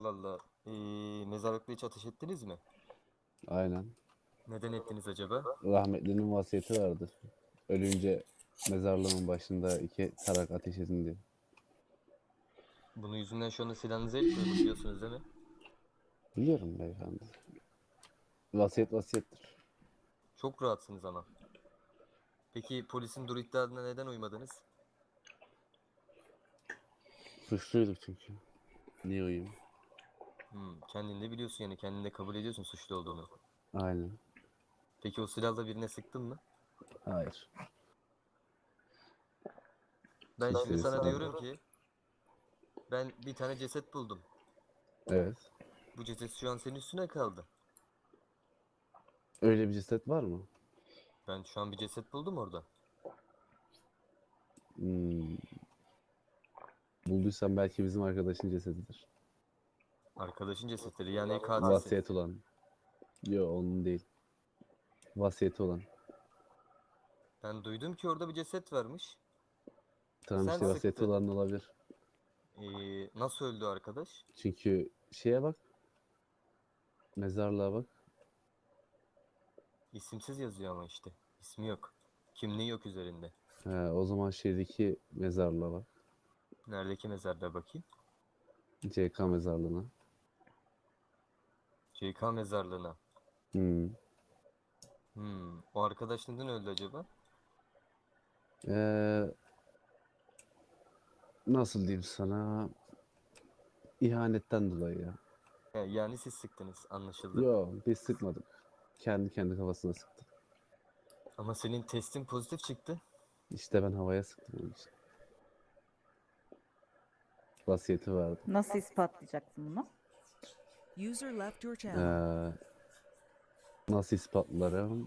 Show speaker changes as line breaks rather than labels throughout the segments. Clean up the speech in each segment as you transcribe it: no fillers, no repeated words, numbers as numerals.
Allah Allah. Mezarlıkta hiç ateş ettiniz mi?
Aynen.
Neden ettiniz acaba?
Rahmetlinin vasiyeti vardı. Ölünce mezarlığın başında 2 tarak ateş edin diye.
Bunun yüzünden şu anda silahınıza el koyuldu biliyorsunuz değil mi?
Biliyorum beyefendi. Vasiyet vasiyettir.
Çok rahatsınız ama. Peki polisin dur iddiasına neden uymadınız?
Suçluyduk çünkü. Niye uyuyayım?
Kendin de biliyorsun yani kendin de kabul ediyorsun suçlu olduğunu.
Aynen.
Peki o silahla birine sıktın mı?
Hayır.
Ben şimdi
İşte
sana
sıkmadım.
diyorum ki ben bir tane ceset buldum.
Evet.
Bu ceset şu an senin üstüne kaldı.
Öyle bir ceset var mı?
Ben şu an bir ceset buldum orada.
Hmm. Bulduysan belki bizim arkadaşın cesedidir.
Arkadaşın cesetleri yani katilsin.
Vasiyet olan. Yok onun değil. Vasiyeti olan.
Ben duydum ki orada bir ceset varmış.
Tamam
Sen
işte vasiyeti
sıktın.
olan olabilir.
Nasıl öldü arkadaş?
Çünkü şeye bak. Mezarlığa bak.
İsimsiz yazıyor ama işte. İsmi yok. Kimliği yok üzerinde.
O zaman şeydeki mezarlığa bak.
Neredeki mezarda bakayım?
CK mezarlığına.
CK mezarlığına.
Hmm.
O arkadaş neden öldü acaba?
Ee, Nasıl diyeyim sana? İhanetten dolayı ya.
Yani siz sıktınız anlaşıldı.
Yo biz sıkmadık. Kendi kafasına sıktı.
Ama senin testin pozitif çıktı.
İşte ben havaya sıktım onun için. Vasiyeti vardı.
Nasıl ispatlayacaksın bunu?
User left your channel.
Ee, Nasıl ispatlarım?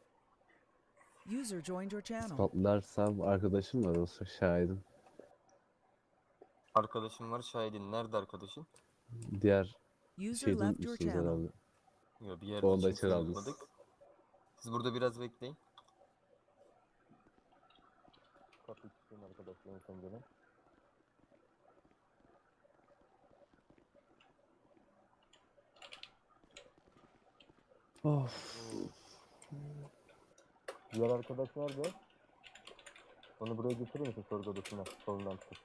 User joined your channel.
İspatlarsam arkadaşım var olsa şahidim.
Arkadaşım var şahidin. Nerede arkadaşın?
Diğer
User
şeyi de
left your
unutmuşsunuz
channel.
herhalde.
Yok bir yerde
Onu da
hiç
içeri
kimseyi
aldınız.
unutmadık. Siz burada biraz bekleyin. Kapıyı tutayım arkadaşlarım pencereden.
Of.
Diğer arkadaş nerede? Onu buraya getirir misin sorgu odasına? Solundan tut.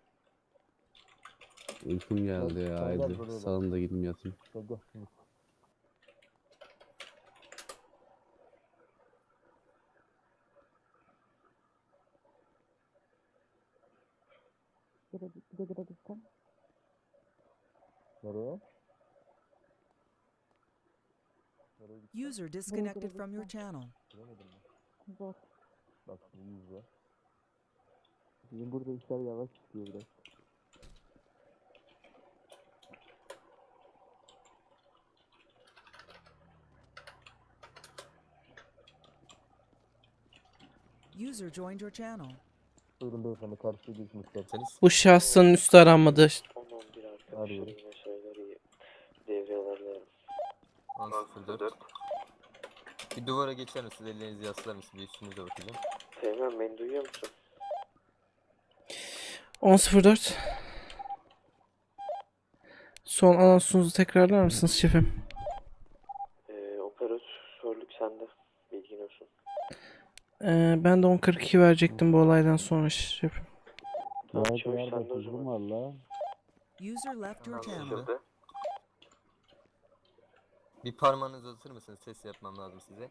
Uykum geldi ya.
Gel, gel
Haydi
buraya gel.
salın da gidin yatayım.
Gel gel.
Gidebilirsin.
Nereye?
User disconnected from your channel.
Bilemedim ben.
Zor.
Bak şimdi izle. Bizim burada işler yavaş gidiyor biraz.
User joined your channel.
Buyurun beyefendi karşıya geçmek isterseniz.
Bu şahsın üstü aranmadı.
10-11
Arıyorum.
arkadaşlarım mesajları devrelerle
10.04. Bir duvara geçer misiniz? Ellerinizi yaslar mısınız? Bir üstünüze bakacağım.
Teğmen beni duyuyor musun?
10.04. Son anonsunuzu tekrarlar mısınız şefim?
Operatörlük sende. Bilgin olsun.
Ben de 10.42 verecektim bu olaydan sonra şefim.
Tamam çavuş sende o zaman.
Valla.
User left your channel.
Anlaşıldı. Bir parmağınızı uzatır mısınız? Ses yapmam lazım size.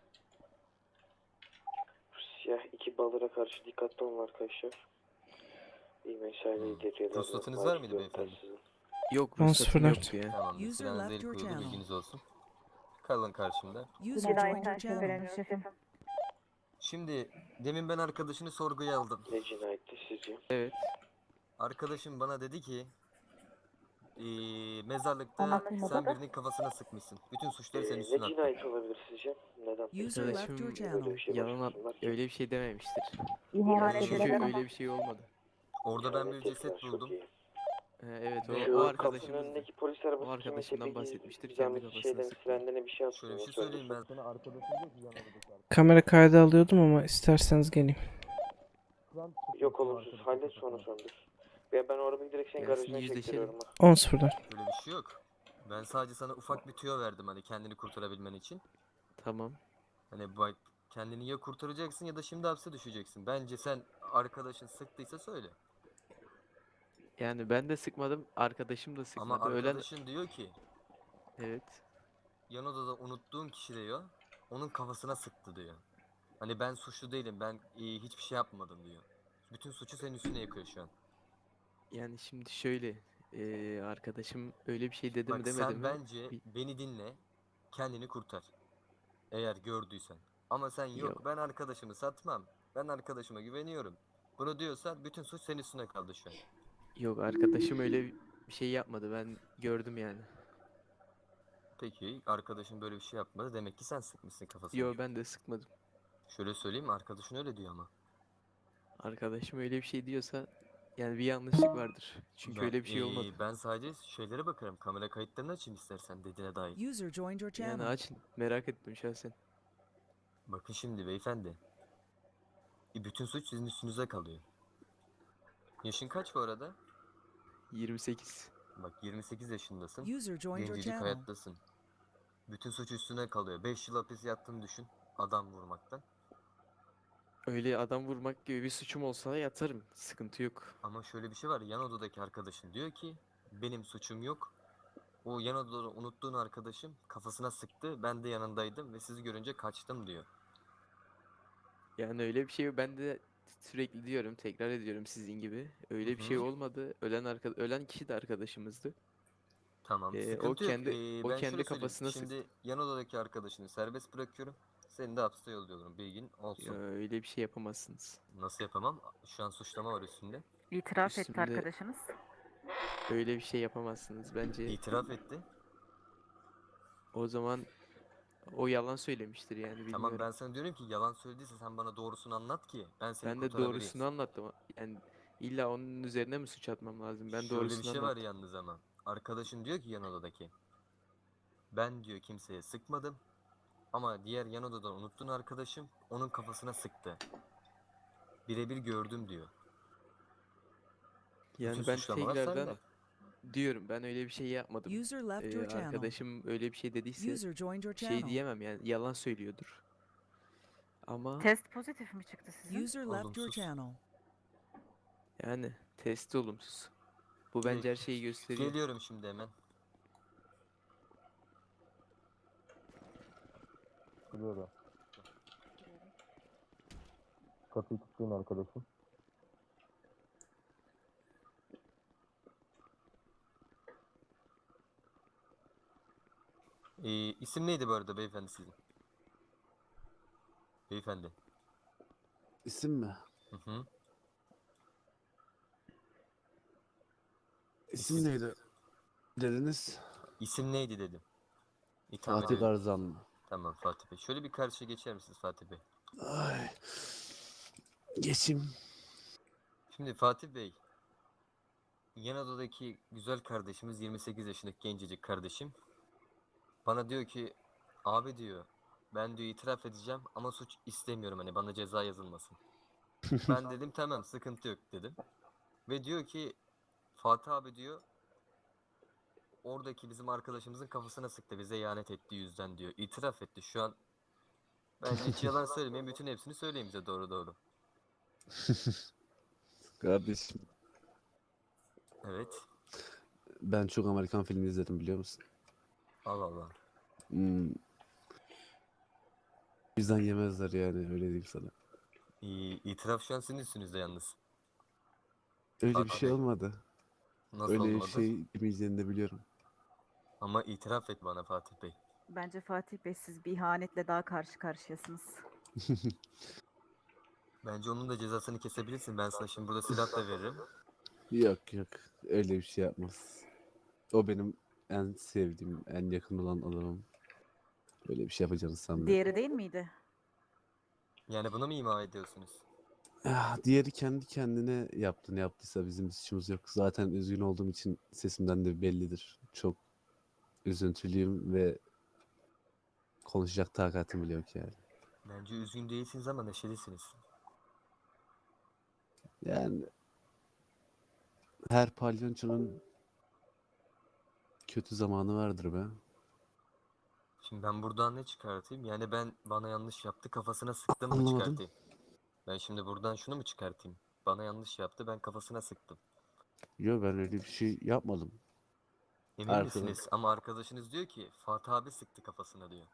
Siyah iki balıra karşı dikkatli olun arkadaşlar. İyi mesaileri devrelerle.
Ruhsatınız var mıydı beyefendi?
Yok, ruhsatım yok
Tamam.
User
Silahınızı
left
el
your
koyuldu
channel.
bilginiz olsun. Kalın karşımda.
User joined your
Cinayetten
channel.
şüphelenmiş şefim.
Şimdi demin ben arkadaşını sorguya aldım.
Ne cinayetti sizce?
Evet.
Arkadaşım bana dedi ki mezarlıkta
Anlatılmadı
sen
da.
birinin kafasına sıkmışsın. Bütün suçları senin
Ne
üstüne attı.
cinayet olabilir sizce? Neden?
User left your
Böyle
channel.
bir şey
Yalan
başvursunlar ki.
öyle bir şey dememiştir.
İhanet
Çünkü
edilen
Öyle
ama.
bir şey olmadı.
Orada ben bir
İhanet
ceset
etmez, çok
buldum.
iyi.
Evet
Ve
o
Şu kapının
arkadaşımız
önündeki polis arabası
o arkadaşımdan
kimse
bahsetmiştir,
bir
kendi
zahmet
kafasına
şeyden
sıktı.
sirenlerine bir şey
Şöyle bir
atsın.
şey söyleyeyim ben sana arkadaşım diyor ki yan odadaki
Kamera kaydı alıyordum ama isterseniz geleyim.
Yok olumsuz halde sonra söndür. Ya ben o arabayı direkt senin
Gelsin,
garajına
yüzleşelim.
çektiriyorum.
10-0'dan.
Böyle bir şey yok. Ben sadece sana ufak bir tüyo verdim hani kendini kurtarabilmen için.
Tamam.
Hani bak kendini ya kurtaracaksın ya da şimdi hapse düşeceksin. Bence sen arkadaşın sıktıysa söyle.
Yani ben de sıkmadım, arkadaşım da
Ama
sıkmadı. Ölen
arkadaşın diyor ki
evet.
yan odada unuttuğun kişi diyor onun kafasına sıktı diyor. Hani ben suçlu değilim ben hiçbir şey yapmadım diyor. Bütün suçu senin üstüne yıkıyor şu an.
Yani şimdi şöyle, arkadaşım öyle bir şey dedi mi
Bak
demedi
sen
mi?
bence
Bir-
beni dinle kendini kurtar. Eğer gördüysen. Ama sen yok
Yok.
ben arkadaşımı satmam. Ben arkadaşıma güveniyorum. Bunu diyorsan bütün suç senin üstüne kaldı şu an.
Yok, arkadaşım öyle bir şey yapmadı. Ben gördüm yani.
Peki arkadaşın böyle bir şey yapmadı. Demek ki sen sıkmışsın kafasına.
Yo, ben de sıkmadım.
Şöyle söyleyeyim arkadaşın öyle diyor ama.
Arkadaşım öyle bir şey diyorsa yani bir yanlışlık vardır. Çünkü öyle bir şey olmadı.
Ben sadece şeylere bakarım. Kamera kayıtlarını açayım istersen dediğine dair.
User joined your
Yani
channel.
açın, merak ettim şahsen.
Bakın şimdi beyefendi. Bütün suç sizin üstünüze kalıyor. Yaşın kaç bu arada?
28.
Bak 28 yaşındasın.
User joined your
Gencecik
channel.
hayattasın. Bütün suç üstüne kalıyor. 5 yıl hapis yattığını düşün. Adam vurmaktan.
Öyle adam vurmak gibi bir suçum olsa yatarım. Sıkıntı yok.
Ama şöyle bir şey var. Yan odadaki arkadaşın diyor ki benim suçum yok. O yan odada unuttuğun arkadaşım kafasına sıktı. Ben de yanındaydım ve sizi görünce kaçtım diyor.
Yani öyle bir şey ben de sürekli diyorum, tekrar ediyorum sizin gibi. Öyle bir şey
Hı hı.
olmadı. Ölen kişi de arkadaşımızdı.
Tamam,
O
sıkıntı yok.
kendi o
Ben
kendi
şöyle söyleyeyim.
kafasına
Şimdi
sıktı.
yan odadaki arkadaşını serbest bırakıyorum. Seni de hapse yolluyorum. Bilgin
Ya
olsun.
öyle bir şey yapamazsınız.
Nasıl yapamam? Şu an suçlama var üstünde.
İtiraf etti
Üstümde-
arkadaşınız.
Öyle bir şey yapamazsınız. Bence
İtiraf etti.
o zaman o yalan söylemiştir yani, bilmiyorum.
Tamam ben sana diyorum ki yalan söylediyse sen bana doğrusunu anlat ki ben seni
Ben de
kurtarabileyim.
doğrusunu anlattım. Yani illa onun üzerine mi suç atmam lazım? Ben
Şöyle bir
doğrusunu
şey var
anlattım.
yalnız ama. Arkadaşın diyor ki yan odadaki. Ben diyor kimseye sıkmadım. Ama diğer yan odadan unuttuğun arkadaşım onun kafasına sıktı. Birebir gördüm diyor.
Yani
Bütün
ben
suçlamalar
tekrardan
sende.
diyorum, ben öyle bir şey yapmadım.
User left your channel.
Arkadaşım öyle bir şey dediyse
User joined your
bir şey
channel.
diyemem yani, yalan söylüyordur. Ama
Test pozitif mi çıktı sizin?
User left your
Olumsuz.
channel.
yani testi olumsuz. Bu bence her şeyi gösteriyor.
Geliyorum şimdi hemen.
Biliyorum. Kapıyı tuttuğun arkadaşım.
İsim neydi bu arada beyefendi sizin? Beyefendi.
İsim mi?
Hı hı.
İsim neydi? Dediniz.
İsim neydi dedim. İtham
Fatih
ediyorum.
Garzan mı?
Tamam Fatih Bey. Şöyle bir karşıya geçer misiniz Fatih Bey?
Ay. Geçeyim.
Şimdi Fatih Bey. Yan odadaki güzel kardeşimiz 28 yaşındaki gencecik kardeşim. Bana diyor ki abi diyor ben diyor itiraf edeceğim ama suç istemiyorum hani bana ceza yazılmasın. Ben dedim tamam sıkıntı yok dedim. Ve diyor ki Fatih abi diyor oradaki bizim arkadaşımızın kafasına sıktı bize ihanet ettiği yüzden diyor. İtiraf etti şu an. Bence hiç yalan söylemeyin bütün hepsini söyleyin bize doğru doğru.
Kardeşim,
Evet.
ben çok Amerikan filmi izledim biliyor musun?
Allah Allah.
Hmm. Bizden yemezler yani öyle diyeyim sana.
İtiraf şu an sizin üstünüzde yalnız.
Öyle bir
Fatih
şey
Bey.
olmadı.
Nasıl
Öyle
olmadı?
şey kimeceğini de biliyorum.
Ama itiraf et bana Fatih Bey.
Bence Fatih Bey siz bir ihanetle daha karşı karşıyasınız.
Bence onun da cezasını kesebilirsin. Ben sana şimdi burada silah da veririm.
Yok yok öyle bir şey yapmaz. O benim en sevdiğim, en yakın olan adamım. Öyle bir şey yapacağını sanmıyorum.
Diğeri değil miydi?
Yani bunu mu ima ediyorsunuz?
Ah, diğeri kendi kendine yaptı. Ne yaptıysa bizim suçumuz yok. Zaten üzgün olduğum için sesimden de bellidir. Çok üzüntülüyüm ve konuşacak takatim bile yok yani.
Bence üzgün değilsiniz ama neşelisiniz.
Yani Her palyonçonun kötü zamanı vardır be.
Şimdi ben buradan ne çıkartayım? Yani ben bana yanlış yaptı kafasına sıktım mı
Anlamadım.
çıkartayım? Ben şimdi buradan şunu mu çıkartayım? Bana yanlış yaptı ben kafasına sıktım.
Yo, ben öyle bir şey yapmadım.
Emin
Arkadaş.
misiniz? Ama arkadaşınız diyor ki Fatih abi sıktı kafasına diyor.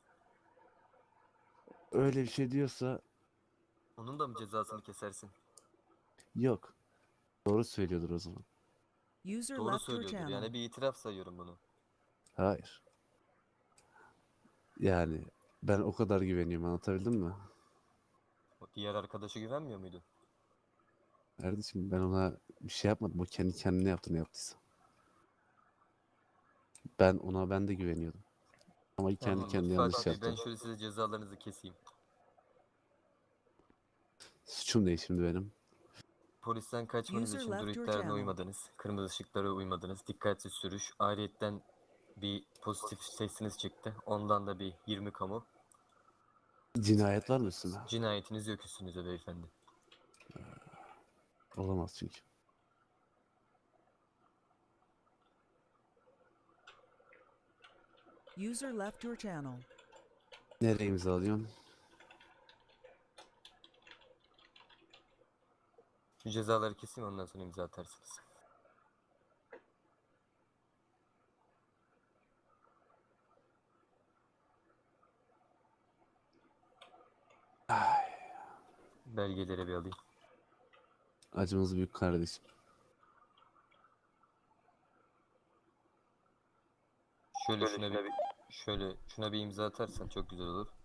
Öyle bir şey diyorsa
Onun da mı cezasını kesersin?
yok. Doğru söylüyordur o zaman.
User
Doğru
left your
söylüyordur.
channel.
Yani bir itiraf sayıyorum bunu.
Hayır. Yani ben o kadar güveniyorum, anlatabildim mi?
O diğer arkadaşa güvenmiyor muydu?
Kardeşim, ben ona bir şey yapmadım. O kendi kendine yaptı ne yaptıysa. Ben de güveniyordum. Ama kendi
Tamamdır.
kendine yanlış
Fatih Bey ben
yaptı.
şöyle size cezalarınızı keseyim.
Suçum ne şimdi benim?
Polisten kaçmanız
User
için
left
dur
your
ihtarına
channel.
uymadınız. Kırmızı ışıklara uymadınız. Dikkatli sürüş. Ayrıyetten bir pozitif testiniz çıktı. Ondan da bir 20 kamu.
Cinayet var mı üstüne?
Cinayetiniz yok üstünüze beyefendi.
Olamaz çünkü.
User left your channel.
Nereye imzalıyorum?
Şu cezaları keseyim ondan sonra imza atarsınız. Belgeleri bir alayım.
Acımız büyük kardeşim.
Şöyle şuna bir imza atarsan çok güzel olur.